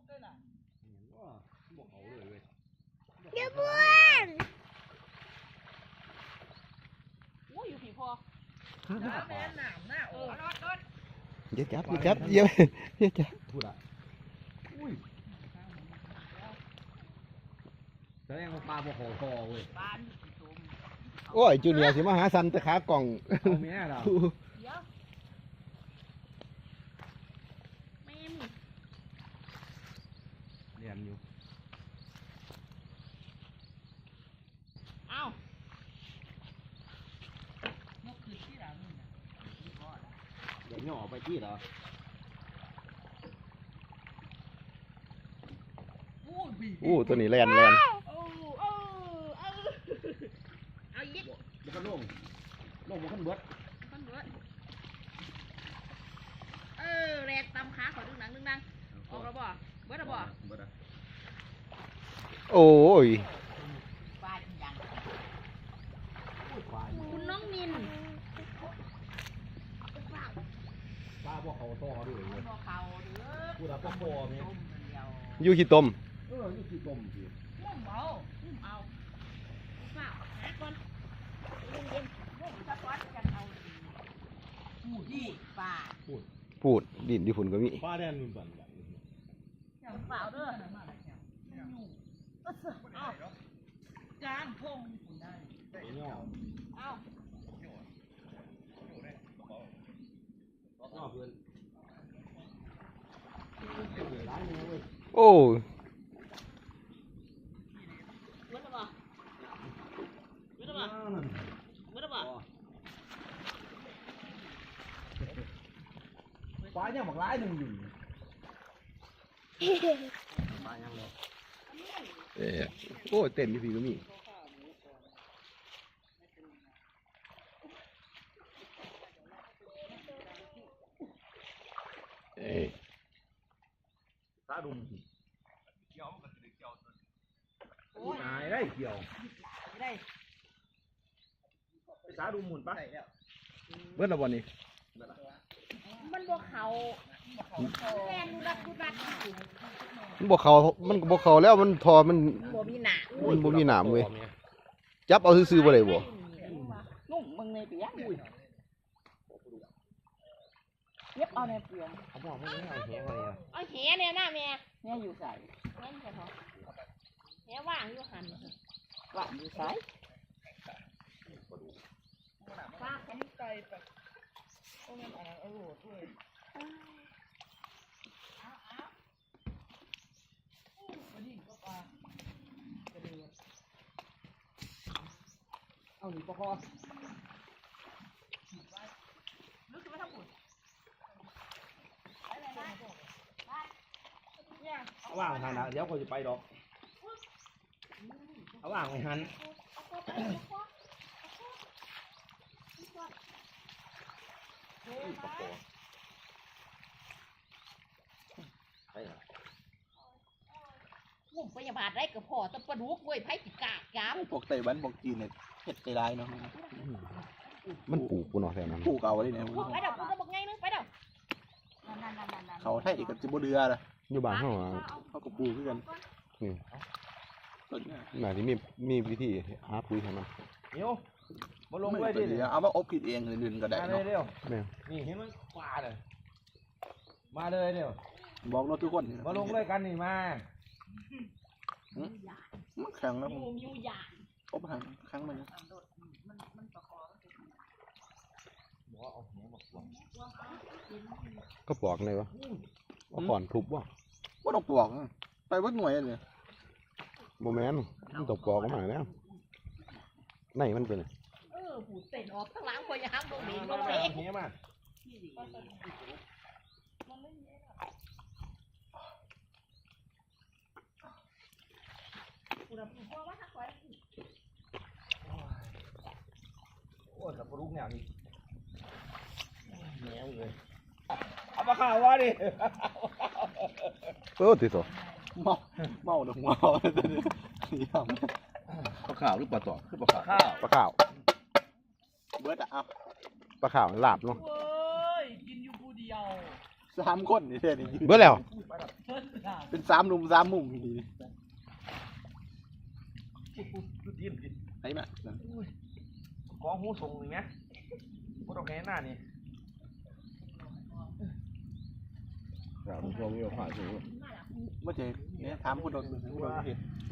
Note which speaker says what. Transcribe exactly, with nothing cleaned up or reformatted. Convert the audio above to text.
Speaker 1: เดี๋ยวบ้วนโอ้ยอยู่ผีพอน้ำแม่น้ำหน้าโอ้รถรถ
Speaker 2: เดี๋ยวจับเดี๋ยวจับเดี๋ยวเดี๋ยวจับพูดอ่ะอุ้ยแสดงว่าปลาบ่ขอคอเว้ยโอ้ยจูเนียร์สิมาหาสันตะขากล่องเอาแม่เราเรียนอยู่
Speaker 1: เอานกคือที่เรานี่นะ
Speaker 2: เดี๋ยวย่อไปที่เหรออู้ตัวนี้แลนแลน
Speaker 1: เอายิก
Speaker 2: มันก็โล่งโล่งมันขึ้นเบิด
Speaker 1: ขึ้นเบิดเออแรกตำขาขอดึงหนังดึงนังออกแล้วบ่เบิดแล้วบ่
Speaker 2: โอ้ย
Speaker 1: ปลาอย่างคุณน้องนิน
Speaker 2: ปลาบ่เขาต่อด้วยเลย
Speaker 1: บ่เขาเด้อ
Speaker 2: พูดอะปลาบ่เนี่ย
Speaker 1: อ
Speaker 2: ยู่ขี้ต้มเอออยู่ขี้ต้มสิ
Speaker 1: มุ่งเอามุ่งเอาเปล่าหาก่อนเย็นเย็นมุ่งสักวันกันเอาพูดดิปลา
Speaker 2: พูดพูดดินที่ฝุ่นก็มี
Speaker 3: ปลาแดนนุ่นบัน
Speaker 1: อย่างเปล่าเด้อเอาจานพงได้
Speaker 2: ย่อ
Speaker 1: เอา
Speaker 2: ย่อเพื่อนโอ้
Speaker 1: เมื่อไหร่เมื่อไหร่เมื่อไหร่
Speaker 2: ปลาเนี่ยหมากร้ายหนึ่งอยู่ปลายังเลยเออโอ้เต้นที่พี่ก็มีเอ้ตาดุมเกี่ยวมันก็จะเกี่ยวตัวตายได้เกี่ยว
Speaker 1: ได้
Speaker 2: ไปตาดุมหมุนปะเบิ้ลละวันนี้
Speaker 1: มันบวกเขาแม่ดูรักดูรัก
Speaker 2: มันบวกเขามันบวกเขาแล้วมันทอมัน
Speaker 1: บ่มีหนาม
Speaker 2: มันบ่มีหนามเว้ยจับเอาซื้อๆบ่ได้บ่
Speaker 1: นุ่มมึงในเปียกเย็บเอาในเปลือก
Speaker 2: เขาบอกไม่ได้เอาแหมาเลย
Speaker 1: เอาแหเนี่ยหน้าแม่เนี่ยอยู่ใส่แม่ใส่ท้องแหว่างอยู่หันว่างอยู่ใส่ฟ้าแข็งใจแบบโอ้ยมันอร่อยด้วย
Speaker 2: เอาหนีปะคอ
Speaker 1: รู้สึกว่าถ้าปุ่น
Speaker 2: เอาว่างหันนะเดี๋ยวเขาจะไปดอกเอาว่างไปหันปะคอไปเหรอ
Speaker 1: มุ่งพยาบาลได้กับพ่อตะปะดุกเว้ยไผ่ติกาดจ้าม
Speaker 3: พวกไต้หวันพวกจีนเนี่ยเฮ็ดใจร้ายเนาะ
Speaker 2: มันปลูกกูเนาะแถวนั้น
Speaker 3: ปลูกเอาไว้เนี่ย
Speaker 1: ไปเดี๋ยวคุณจะบอกไงนึงไปเดี๋ยว
Speaker 3: เขาไทยกับจิบเดือละ
Speaker 2: อยู่บ้านเขา
Speaker 3: เขาก็ปลูกด้วยกัน
Speaker 2: นี่น่าที่มีมีวิธีหาปุ๋ยให้มัน
Speaker 3: เดี๋ยวมาลงเลยดิเอามาอบกินเองเลยนึงก็ได้เนาะ
Speaker 2: เร็ว
Speaker 3: นี่เห็นมันปลาเลยมาเลยเดี๋ยวบอกเราทุกคนมาลงเลยกันนี่มามันแข็งแล้ว
Speaker 1: ยูยูยา
Speaker 3: อบหันครั้งมัน
Speaker 2: ก็ปอกเลยวะเอาก่อนทุบวะ
Speaker 3: ว่าต้องปอกไปวัดหน่วยเลย
Speaker 2: โมแมนมันตกปอกมาแล้วไหนมันเป็น
Speaker 1: เออหูเต็นออกทั้งหลังคนยังห้ามตรงนี้ตรงนี้
Speaker 2: เฮียมาโอ้ยกับลูกเนี่ยนี่แหนวเลยเอามาข่าวว่าดิเออติดตัว
Speaker 3: เมาเมาหนึ่งเมานี่ท
Speaker 2: ำปลาข่าวหรือปลาต่อคือปลาข่าวปลาข่าว
Speaker 3: เบิร์ดอ่ะ
Speaker 2: ปลาข่าวหลาบเนาะ
Speaker 1: เว้ยกินอยู่ผู้เดียว
Speaker 3: สามคนนี่แค่นี้
Speaker 2: เบิร์ดแล้วเป็นสามหนุ่มสามมุมดี
Speaker 3: ดูดินดิ
Speaker 2: ไหนมา
Speaker 3: กองหูส่งอย่างเงี้ยพวกเราแค่หน้านี่
Speaker 2: เราพวกนี้ผ่านสูง
Speaker 1: มาแล้ว
Speaker 2: เมื่อเจเนี่ยถามผู้โดนผู้โดนเห็น